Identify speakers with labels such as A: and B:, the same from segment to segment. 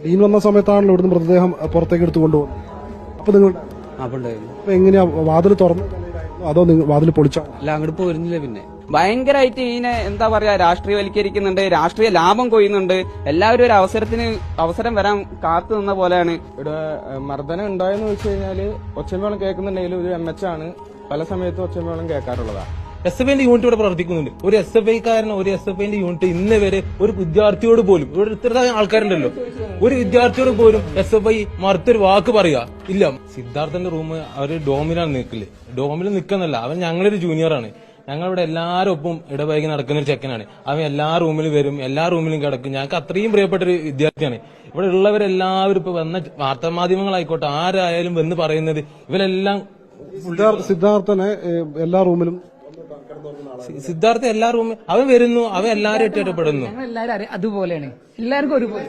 A: ഡീൻ വന്ന സമയത്താണല്ലോ ഇവിടുന്ന് മൃതദേഹം പുറത്തേക്ക് എടുത്ത് കൊണ്ടുപോകുന്നത്. അപ്പൊ നിങ്ങൾ അപ്പൊ എങ്ങനെയാ വാതിൽ തുറന്നു അതോ വാതിൽ പൊളിച്ചോ?
B: അല്ല, അങ്ങോട്ട് പോയിരുന്നില്ല. പിന്നെ
C: ഭയങ്കരമായിട്ട് ഇതിനെ എന്താ പറയാ രാഷ്ട്രീയവൽക്കരിക്കുന്നുണ്ട്, രാഷ്ട്രീയ ലാഭം കൊയ്യുന്നുണ്ട്. എല്ലാവരും ഒരു അവസരം വരാൻ കാത്തു നിന്ന പോലെയാണ്.
D: ഇവിടെ മർദ്ദനം ഉണ്ടായെന്ന് വെച്ച് കഴിഞ്ഞാല് ഒച്ചമേളം കേൾക്കുന്നുണ്ടെങ്കിലും ഒരു MH ആണ് പല സമയത്തും ഒച്ചമേളം കേൾക്കാറുള്ളതാണ്.
E: SFIന്റെ യൂണിറ്റ് ഇവിടെ പ്രവർത്തിക്കുന്നുണ്ട്. ഒരു SFIക്കാരനോ ഒരു SFIന്റെ യൂണിറ്റ് ഇന്ന് വരെ ഒരു വിദ്യാർത്ഥിയോട് പോലും, ഇവിടെ ഇത്ര ആൾക്കാരുണ്ടല്ലോ, ഒരു വിദ്യാർത്ഥിയോട് പോലും SFI മറുത്തൊരു വാക്ക് പറയുക ഇല്ല. സിദ്ധാർത്ഥന്റെ റൂം അവര് ഡോമിലാണ് നിൽക്കില്ലേ, ഡോമിൽ നിൽക്കുന്നല്ല, അവൻ ഞങ്ങളൊരു ജൂനിയറാണ്. ഞങ്ങളിവിടെ എല്ലാവരും ഒപ്പം ഇടപഴകി നടക്കുന്ന ഒരു ചെക്കനാണ്. അവൻ എല്ലാ റൂമിലും വരും, എല്ലാ റൂമിലും കിടക്കും. ഞങ്ങൾക്ക് അത്രയും പ്രിയപ്പെട്ട ഒരു വിദ്യാർത്ഥിയാണ്. ഇവിടെ ഉള്ളവരെല്ലാവരും ഇപ്പൊ വന്ന വാർത്താമാധ്യമങ്ങളായിക്കോട്ടെ ആരായാലും വന്ന് പറയുന്നത് ഇവരെല്ലാം
A: സിദ്ധാർത്ഥനെ എല്ലാ റൂമിലും
E: സിദ്ധാർത്ഥ എല്ലാ റൂമിൽ അവൻ വരുന്നു, അവൻ എല്ലാവരും ഇഷ്ടപ്പെടുന്നു.
F: എല്ലാവരും അതുപോലെയാണ്, എല്ലാവർക്കും ഒരുപോലെ.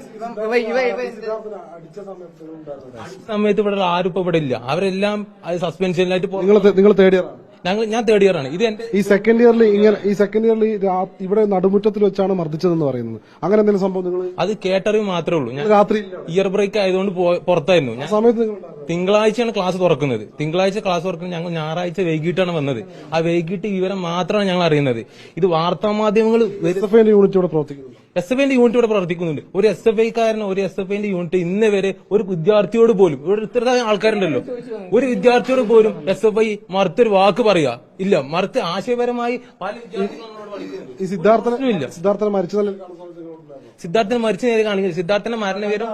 E: സമയത്ത് ഇവിടെ ആരും ഇപ്പൊ ഇവിടെ ഇല്ല, അവരെല്ലാം സസ്പെൻഷനിലായിട്ട്
A: നിങ്ങൾ തേടിയ
E: ഞാൻ തേർഡ് ഇയർ ആണ്. ഇത്
A: ഈ സെക്കൻഡ് ഇയറിൽ ഇവിടെ നടുമുറ്റത്തിൽ വെച്ചാണ് മർദ്ദിച്ചതെന്ന് പറയുന്നത്. അങ്ങനെ എന്തെങ്കിലും സംഭവം നിങ്ങൾ
E: അത് കേട്ടറിവ് മാത്രമേ ഉള്ളൂ. ഞാൻ
A: രാത്രി
E: ഇയർ ബ്രേക്ക് ആയതുകൊണ്ട് പുറത്തായിരുന്നു. ഞാൻ
A: സമയത്ത്
E: തിങ്കളാഴ്ചയാണ് ക്ലാസ് തുറക്കുന്നത്. തിങ്കളാഴ്ച ക്ലാസ് തുറക്കുന്നത് ഞങ്ങൾ ഞായറാഴ്ച വൈകിട്ടാണ് വന്നത്. ആ വൈകിട്ട് വിവരം മാത്രമാണ് ഞങ്ങൾ അറിയുന്നത്. ഇത് വാർത്താമാധ്യമങ്ങൾ
A: യൂണിറ്റ് ഇവിടെ പ്രവർത്തിക്കുന്നു.
E: SFIന്റെ യൂണിറ്റ് ഇവിടെ പ്രവർത്തിക്കുന്നുണ്ട്. ഒരു SFIക്കാരനോ ഒരു SFIന്റെ യൂണിറ്റ് ഇന്ന് വരെ ഒരു വിദ്യാർത്ഥിയോട് പോലും, ഇവിടെ ഇത്ര ആൾക്കാരുണ്ടല്ലോ, ഒരു വിദ്യാർത്ഥിയോട് പോലും SFI മറുത്തൊരു വാക്ക് പറയുക ഇല്ല. മറുത്ത് ആശയപരമായി പല വിദ്യാർത്ഥികളും
A: ഈ സിദ്ധാർത്ഥനെ
E: സിദ്ധാർത്ഥനെ മരിച്ച നേരെ കാണിക്കുന്നത്. സിദ്ധാർത്ഥന്റെ മരണവിവരം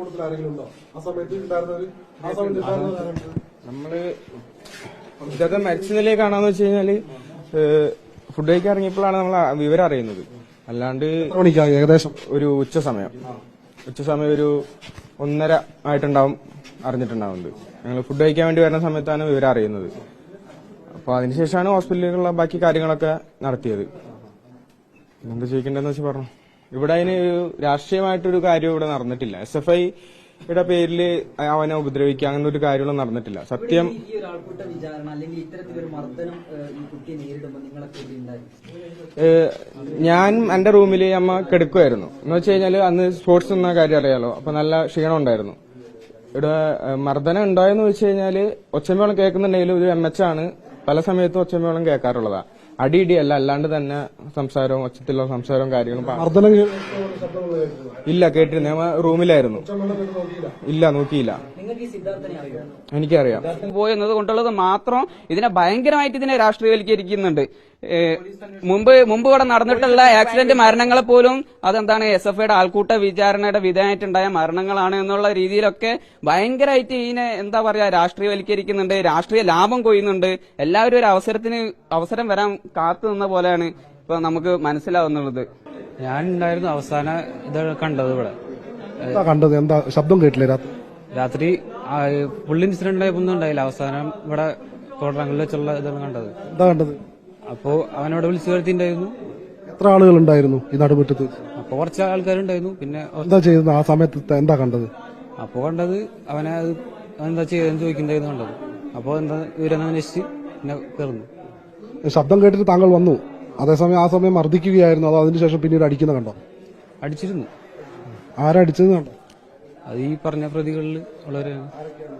D: നമ്മള് സിദ്ധാർത്ഥൻ മരിച്ച നിലയെ കാണാന്ന് വെച്ച് കഴിഞ്ഞാല് ഫുഡ് കഴിക്കാൻ ഇറങ്ങിയപ്പോഴാണ് നമ്മൾ വിവരം അറിയുന്നത്. അല്ലാണ്ട്
A: ഏകദേശം
D: ഒരു ഉച്ച സമയം ഒരു 1:30 ആയിട്ടുണ്ടാവും അറിഞ്ഞിട്ടുണ്ടാവുന്നത്. ഞങ്ങൾ ഫുഡ് കഴിക്കാൻ വേണ്ടി വരുന്ന സമയത്താണ് വിവരം അറിയുന്നത്. അപ്പൊ അതിനുശേഷമാണ് ഹോസ്പിറ്റലിലുള്ള ബാക്കി കാര്യങ്ങളൊക്കെ നടത്തിയത്. എന്താ ചോദിക്കേണ്ടതെന്ന് വെച്ച് പറഞ്ഞു. ഇവിടെ അതിന് രാഷ്ട്രീയമായിട്ടൊരു കാര്യം ഇവിടെ നടന്നിട്ടില്ല. SFIയുടെ പേരിൽ അവനെ ഉപദ്രവിക്കുക അങ്ങനെ ഒരു കാര്യങ്ങളും നടന്നിട്ടില്ല. സത്യം ഞാൻ എന്റെ റൂമിൽ അമ്മ കിടക്കുമായിരുന്നു. എന്ന് വെച്ച് കഴിഞ്ഞാല് അന്ന് സ്പോർട്സ് എന്ന കാര്യം അറിയാലോ, അപ്പൊ നല്ല ക്ഷീണം ഉണ്ടായിരുന്നു. ഇവിടെ മർദ്ദനം ഉണ്ടായെന്ന് വെച്ച് കഴിഞ്ഞാല് ഒച്ചമേളം കേൾക്കുന്നുണ്ടെങ്കിലും ഒരു MH ആണ് പല സമയത്തും ഒച്ചമേളം കേൾക്കാറുള്ളതാ. അടിയിടിയല്ല, അല്ലാണ്ട് തന്നെ സംസാരവും ഒച്ചത്തിലുള്ള സംസാരവും കാര്യങ്ങളും ഇല്ല കേട്ടിരുന്നു. ഞാൻ റൂമിലായിരുന്നു. ഇല്ല, നോക്കിയില്ല. എനിക്കറിയാം.
C: പോയെന്നത് കൊണ്ടുള്ളത് മാത്രം ഇതിനെ ഭയങ്കരമായിട്ട് ഇതിനെ രാഷ്ട്രീയവൽക്കരിക്കുന്നുണ്ട്. മുമ്പ് ഇവിടെ നടന്നിട്ടുള്ള ആക്സിഡന്റ് മരണങ്ങളെ പോലും അതെന്താണ് SFIയുടെ ആൾക്കൂട്ട വിചാരണയുടെ വിധേയമായിട്ടുണ്ടായ മരണങ്ങളാണ് എന്നുള്ള രീതിയിലൊക്കെ ഭയങ്കരമായിട്ട് ഇതിനെ എന്താ പറയാ രാഷ്ട്രീയവൽക്കരിക്കുന്നുണ്ട്, രാഷ്ട്രീയ ലാഭം കൊയ്യുന്നുണ്ട്. എല്ലാവരും ഒരു അവസരം വരാൻ കാത്തു നിന്ന പോലെയാണ് ഇപ്പൊ നമുക്ക് മനസ്സിലാവുന്നുള്ളത്.
B: ഞാൻ ഉണ്ടായിരുന്നു അവസാന ഇത് കണ്ടത്. ഇവിടെ
A: കണ്ടത് എന്താ? ശബ്ദം കേട്ടില്ലേ
B: രാത്രി? ഫുൾ ഇൻസിഡന്റ് ആയതൊന്നും ഉണ്ടായില്ല. അവസാനം ഇവിടെ കോട്ടറങ്ങളിൽ വെച്ചുള്ള ഇതാണ് കണ്ടത്.
A: എന്താ കണ്ടത്?
B: അപ്പോ അവനോട് വിളിച്ചു വരുത്തിണ്ടായിരുന്നു.
A: എത്ര ആളുകൾ ഉണ്ടായിരുന്നു ഈ നടുമുറ്റത്ത്?
B: അപ്പൊ കുറച്ച് ആൾക്കാരുണ്ടായിരുന്നു. പിന്നെ
A: എന്താ ചെയ്യുന്നത് ആ സമയത്ത്? എന്താ കണ്ടത്?
B: അപ്പൊ കണ്ടത് അവനെ എന്താ ചെയ്തെന്ന് ചോദിക്കണ്ടായിരുന്നു കണ്ടത്. അപ്പൊ എന്താ ഇവരെന്ന് അന്വേഷിച്ച് പിന്നെ കയറുന്നു.
A: ശബ്ദം കേട്ടിട്ട് താങ്കൾ വന്നു. അതേസമയം ആ സമയം മർദ്ദിക്കുകയായിരുന്നു. അതോ അതിനുശേഷം പിന്നീട് അടിക്കുന്ന കണ്ടോ?
B: അടിച്ചിരുന്നു.
A: ആരാ അടിച്ചത് കണ്ടോ?
B: അത് ഈ പറഞ്ഞ പ്രതികളിൽ ഉള്ളവരാണ്.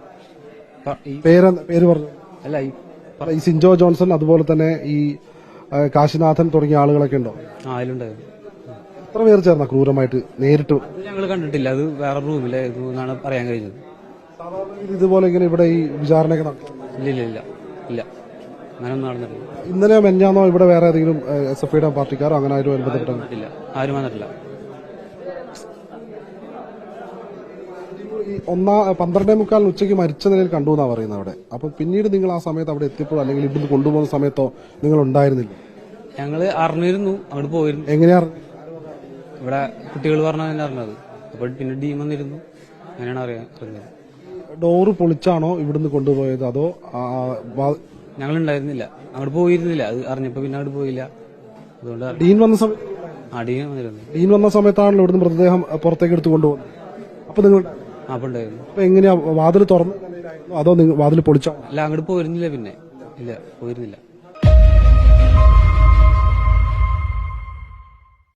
A: പേര് പറഞ്ഞു.
B: അല്ല,
A: ഈ സിൻജോ ജോൺസൺ അതുപോലെ തന്നെ ഈ കാശിനാഥൻ തുടങ്ങിയ ആളുകളൊക്കെ ഉണ്ടോ?
B: അതിലുണ്ടായിരുന്നു.
A: എത്ര പേർ ചേർന്ന ക്രൂരമായിട്ട് നേരിട്ട്?
B: ഞങ്ങൾ കണ്ടിട്ടില്ല. അത് വേറെ റൂമിലായിരുന്നു എന്നാണ് പറയാൻ കഴിഞ്ഞത്.
A: ഇതുപോലെ ഇങ്ങനെ ഇവിടെ ഈ വിചാരണയൊക്കെ
B: ഇല്ല അങ്ങനൊന്നും നടന്നിട്ടില്ല.
A: ഇന്നലെ മെഞ്ഞാന്നോ ഇവിടെ വേറെ ഏതെങ്കിലും SFIയുടെ പാർട്ടിക്കാരോ അങ്ങനെ ആരും ബന്ധപ്പെട്ടില്ല?
B: ആരും വന്നിട്ടില്ല.
A: 12:45 ഉച്ചയ്ക്ക് മരിച്ച നിലയിൽ കണ്ടു എന്നാ പറയുന്നത് അവിടെ. അപ്പൊ പിന്നീട് നിങ്ങൾ ആ സമയത്ത് അവിടെ എത്തിയപ്പോൾ അല്ലെങ്കിൽ ഇവിടുന്ന് കൊണ്ടുപോകുന്ന സമയത്തോ നിങ്ങൾ ഉണ്ടായിരുന്നില്ല?
B: ഞങ്ങള് അറിഞ്ഞിരുന്നു, അങ്ങോട്ട് പോയിരുന്നു.
A: എങ്ങനെയാ
B: ഇവിടെ കുട്ടികൾ പറഞ്ഞാൽ അറിഞ്ഞത്. അപ്പൊ പിന്നെ ഡീം വന്നിരുന്നു, അങ്ങനെയാണ് അറിഞ്ഞത്.
A: ഡോറ് പൊളിച്ചാണോ ഇവിടുന്ന് കൊണ്ടുപോയത് അതോ?
B: ഞങ്ങൾ ഉണ്ടായിരുന്നില്ല, അങ്ങോട്ട് പോയിരുന്നില്ല. അത് അറിഞ്ഞപ്പോ പിന്നെ അങ്ങോട്ട് പോയില്ല. അതുകൊണ്ട്
A: ഡീൻ വന്ന സമയത്ത് ഡീൻ വന്ന സമയത്താണല്ലോ ഇവിടുന്ന് മൃതദേഹം പുറത്തേക്ക് എടുത്ത് കൊണ്ടുപോകുന്നത്. അപ്പൊ നിങ്ങൾ അപ്പൊ എങ്ങനെയാ വാതിൽ തുറന്നു അതോ വാതിൽ പൊളിച്ചോ?
B: അല്ല, അങ്ങോട്ട് പോയിരുന്നില്ല. പിന്നെ ഇല്ല, പോയിരുന്നില്ല.